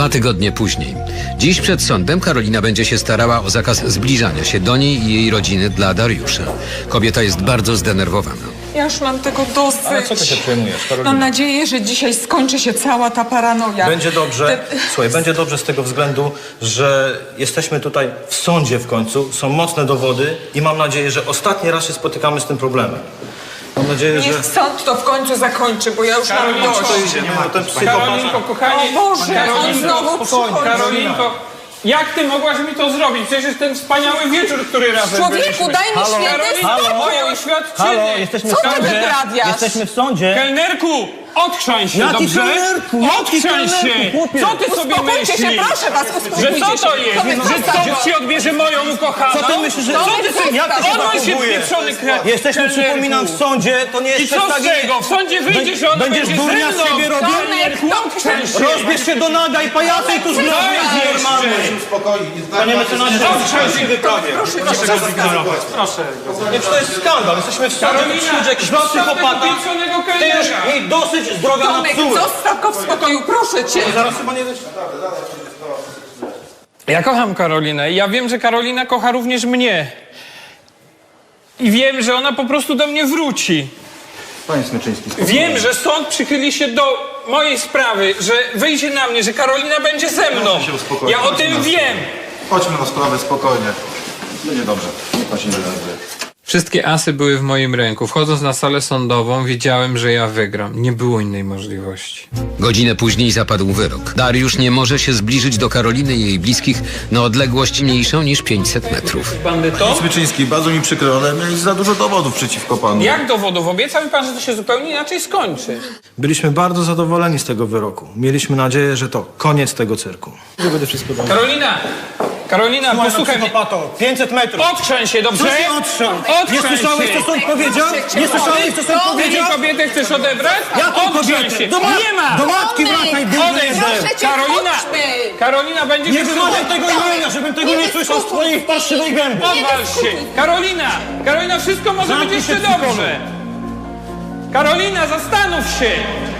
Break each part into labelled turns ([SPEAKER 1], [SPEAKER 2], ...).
[SPEAKER 1] 2 tygodnie później. Dziś przed sądem Karolina będzie się starała o zakaz zbliżania się do niej i jej rodziny dla Dariusza. Kobieta jest bardzo zdenerwowana.
[SPEAKER 2] Ja już mam tego dosyć.
[SPEAKER 3] Ale co ty się przejmujesz, Karolina?
[SPEAKER 2] Mam nadzieję, że dzisiaj skończy się cała ta paranoja.
[SPEAKER 3] Będzie dobrze, słuchaj, będzie dobrze z tego względu, że jesteśmy tutaj w sądzie w końcu, są mocne dowody i mam nadzieję, że ostatni raz się spotykamy z tym problemem. Mam nadzieję, że...
[SPEAKER 2] Niech sąd to w końcu zakończy, bo ja już mam dość.
[SPEAKER 3] To idziemy, bo ten psychopata...
[SPEAKER 4] Karolinko, kochanie,
[SPEAKER 2] O Boże,
[SPEAKER 4] Karolinko,
[SPEAKER 2] on znowu
[SPEAKER 3] spokojnie,
[SPEAKER 2] przychodzi.
[SPEAKER 4] Karolinko, jak ty mogłaś mi to zrobić? Przecież ten wspaniały wieczór, który razem
[SPEAKER 2] Człowieku,
[SPEAKER 4] byliśmy.
[SPEAKER 2] daj mi święty
[SPEAKER 4] Karolinko,
[SPEAKER 2] spokój.
[SPEAKER 4] moje
[SPEAKER 3] Halo,
[SPEAKER 4] oświadczenie.
[SPEAKER 3] jesteśmy
[SPEAKER 2] Co
[SPEAKER 3] w
[SPEAKER 2] ty
[SPEAKER 3] sądzie.
[SPEAKER 2] wyprawiasz?
[SPEAKER 3] Jesteśmy w sądzie.
[SPEAKER 4] Kelnerku, odchrzań się,
[SPEAKER 3] Jaki
[SPEAKER 4] dobrze?
[SPEAKER 3] kelnerku? Jaki
[SPEAKER 4] Odchrzań
[SPEAKER 3] kelnerku,
[SPEAKER 4] się.
[SPEAKER 3] chłopie?
[SPEAKER 4] Co ty sobie
[SPEAKER 2] Uspokójcie się,
[SPEAKER 4] myślisz?
[SPEAKER 2] proszę was,
[SPEAKER 4] Że
[SPEAKER 2] uspokójcie
[SPEAKER 4] co to
[SPEAKER 2] się.
[SPEAKER 4] jest?
[SPEAKER 2] Tomek,
[SPEAKER 4] Że
[SPEAKER 2] zostaw
[SPEAKER 4] ktoś ci odbierze moją ukochaną?
[SPEAKER 3] Co ty myślisz, że...
[SPEAKER 2] Co ty
[SPEAKER 3] Jak ty się
[SPEAKER 4] Odnoś się,
[SPEAKER 3] zachowujesz?
[SPEAKER 4] pieprzony
[SPEAKER 3] Jesteśmy, przypominam, w sądzie, to nie jest
[SPEAKER 4] I co z
[SPEAKER 3] przedstawienie.
[SPEAKER 4] tego? W sądzie wyjdziesz, że ona
[SPEAKER 3] Będziesz
[SPEAKER 4] będzie
[SPEAKER 3] durnia
[SPEAKER 4] ze
[SPEAKER 3] z
[SPEAKER 4] mną.
[SPEAKER 3] siebie robił?
[SPEAKER 4] Kelnerku, odchrzań się.
[SPEAKER 3] Rozbierz się do naga i pajacu i tu znowu jest normalny. Panie mecenasie,
[SPEAKER 4] Odchrzań się wyprawie.
[SPEAKER 2] Proszę
[SPEAKER 4] Proszę go zignorować, proszę.
[SPEAKER 3] Nie, to jest skandal. Jesteśmy w sądzie,
[SPEAKER 4] Karolina,
[SPEAKER 3] przyjdzie jakiś
[SPEAKER 4] zostaw tego
[SPEAKER 3] psychopata.
[SPEAKER 4] pieprzonego
[SPEAKER 3] Ty już
[SPEAKER 4] kelnera.
[SPEAKER 3] jej dosyć zdrowia na
[SPEAKER 2] Tomek,
[SPEAKER 3] psuły.
[SPEAKER 2] zostaw go w spokoju, proszę cię.
[SPEAKER 3] Zaraz chyba nie wiesz.
[SPEAKER 4] Ja kocham Karolinę i ja wiem, że Karolina kocha również mnie. I wiem, że ona po prostu do mnie wróci.
[SPEAKER 3] Panie Smyczyński, spokojnie.
[SPEAKER 4] Wiem, że sąd przychyli się do mojej sprawy, że wyjdzie na mnie, że Karolina będzie ze mną.
[SPEAKER 5] Proszę się uspokoić,
[SPEAKER 4] Ja o
[SPEAKER 5] proszę
[SPEAKER 4] tym
[SPEAKER 5] nas.
[SPEAKER 4] wiem.
[SPEAKER 5] Chodźmy na sprawę spokojnie. Będzie dobrze. Niech pan się nie denerwuje.
[SPEAKER 4] Wszystkie asy były w moim ręku. Wchodząc na salę sądową, wiedziałem, że ja wygram. Nie było innej możliwości.
[SPEAKER 1] Godzinę później zapadł wyrok. Dariusz nie może się zbliżyć do Karoliny i jej bliskich na odległość mniejszą niż 500 metrów.
[SPEAKER 4] Bandyto?
[SPEAKER 5] Smyczyński, bardzo mi przykro, ale miałeś za dużo dowodów przeciwko panu.
[SPEAKER 4] Jak dowodów? Obiecał mi pan, że to się zupełnie inaczej skończy.
[SPEAKER 3] Byliśmy bardzo zadowoleni z tego wyroku. Mieliśmy nadzieję, że to koniec tego cyrku. Będę wszystko dobrze.
[SPEAKER 4] Karolina, posłuchaj mnie.
[SPEAKER 3] 500 metrów.
[SPEAKER 4] Odchrzeń się, dobrze?
[SPEAKER 3] Co się odtrzął? Nie
[SPEAKER 4] Odchrzeń
[SPEAKER 3] słyszałeś,
[SPEAKER 4] się.
[SPEAKER 3] co sąd powiedział? Nie słyszałeś, co sąd
[SPEAKER 4] Ty mi
[SPEAKER 3] powiedział?
[SPEAKER 4] kobietę chcesz odebrać?
[SPEAKER 3] Jaką
[SPEAKER 4] Odchrzeń
[SPEAKER 3] kobietę?
[SPEAKER 4] się.
[SPEAKER 3] Do
[SPEAKER 4] Nie ma!
[SPEAKER 3] matki wracaj,
[SPEAKER 4] Odejdź.
[SPEAKER 3] bydle.
[SPEAKER 4] Karolina!
[SPEAKER 2] chodźmy.
[SPEAKER 4] Karolina, będzie...
[SPEAKER 3] Nie wymawiaj tego imienia, żebym tego nie słyszał z twojej parszywej gęby.
[SPEAKER 4] Odwal się! Karolina! Karolina, wszystko może być
[SPEAKER 3] Zamknij
[SPEAKER 4] jeszcze
[SPEAKER 3] się, psycholu.
[SPEAKER 4] dobrze! Karolina, zastanów się!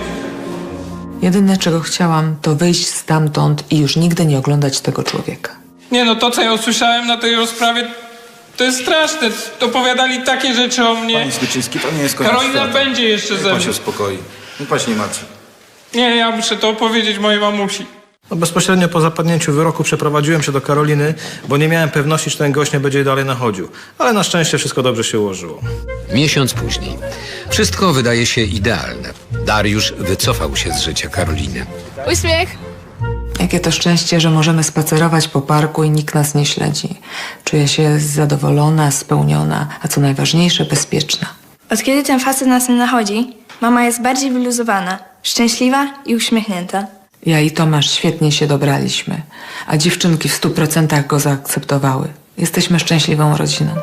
[SPEAKER 6] Jedyne, czego chciałam, to wyjść stamtąd i już nigdy nie oglądać tego człowieka.
[SPEAKER 4] Nie no, to co ja usłyszałem na tej rozprawie, to jest straszne. Opowiadali takie rzeczy o mnie.
[SPEAKER 5] Panie Smyczyński, to nie jest koniec
[SPEAKER 4] Karolina
[SPEAKER 5] świata.
[SPEAKER 4] będzie jeszcze
[SPEAKER 5] Niech
[SPEAKER 4] ze
[SPEAKER 5] pan
[SPEAKER 4] mną.
[SPEAKER 5] się uspokoi. Niech pan się nie martwi.
[SPEAKER 4] Nie, ja muszę to opowiedzieć mojej mamusi.
[SPEAKER 3] No bezpośrednio po zapadnięciu wyroku przeprowadziłem się do Karoliny, bo nie miałem pewności, czy ten gość nie będzie dalej nachodził. Ale na szczęście wszystko dobrze się ułożyło.
[SPEAKER 1] Miesiąc później. Wszystko wydaje się idealne. Dariusz wycofał się z życia Karoliny.
[SPEAKER 7] Uśmiech.
[SPEAKER 6] Jakie to szczęście, że możemy spacerować po parku i nikt nas nie śledzi. Czuję się zadowolona, spełniona, a co najważniejsze, bezpieczna.
[SPEAKER 7] Od kiedy ten facet nas nie nachodzi, mama jest bardziej wyluzowana, szczęśliwa i uśmiechnięta.
[SPEAKER 6] Ja i Tomasz świetnie się dobraliśmy, a dziewczynki w 100% go zaakceptowały. Jesteśmy szczęśliwą rodziną.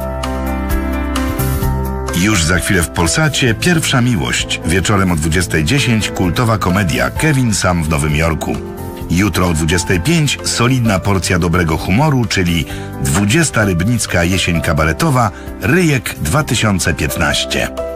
[SPEAKER 8] Już za chwilę w Polsacie Pierwsza miłość. Wieczorem o 20:10 kultowa komedia Kevin Sam w Nowym Jorku. Jutro o 25 solidna porcja dobrego humoru, czyli 20. Rybnicka jesień kabaretowa Ryjek 2015.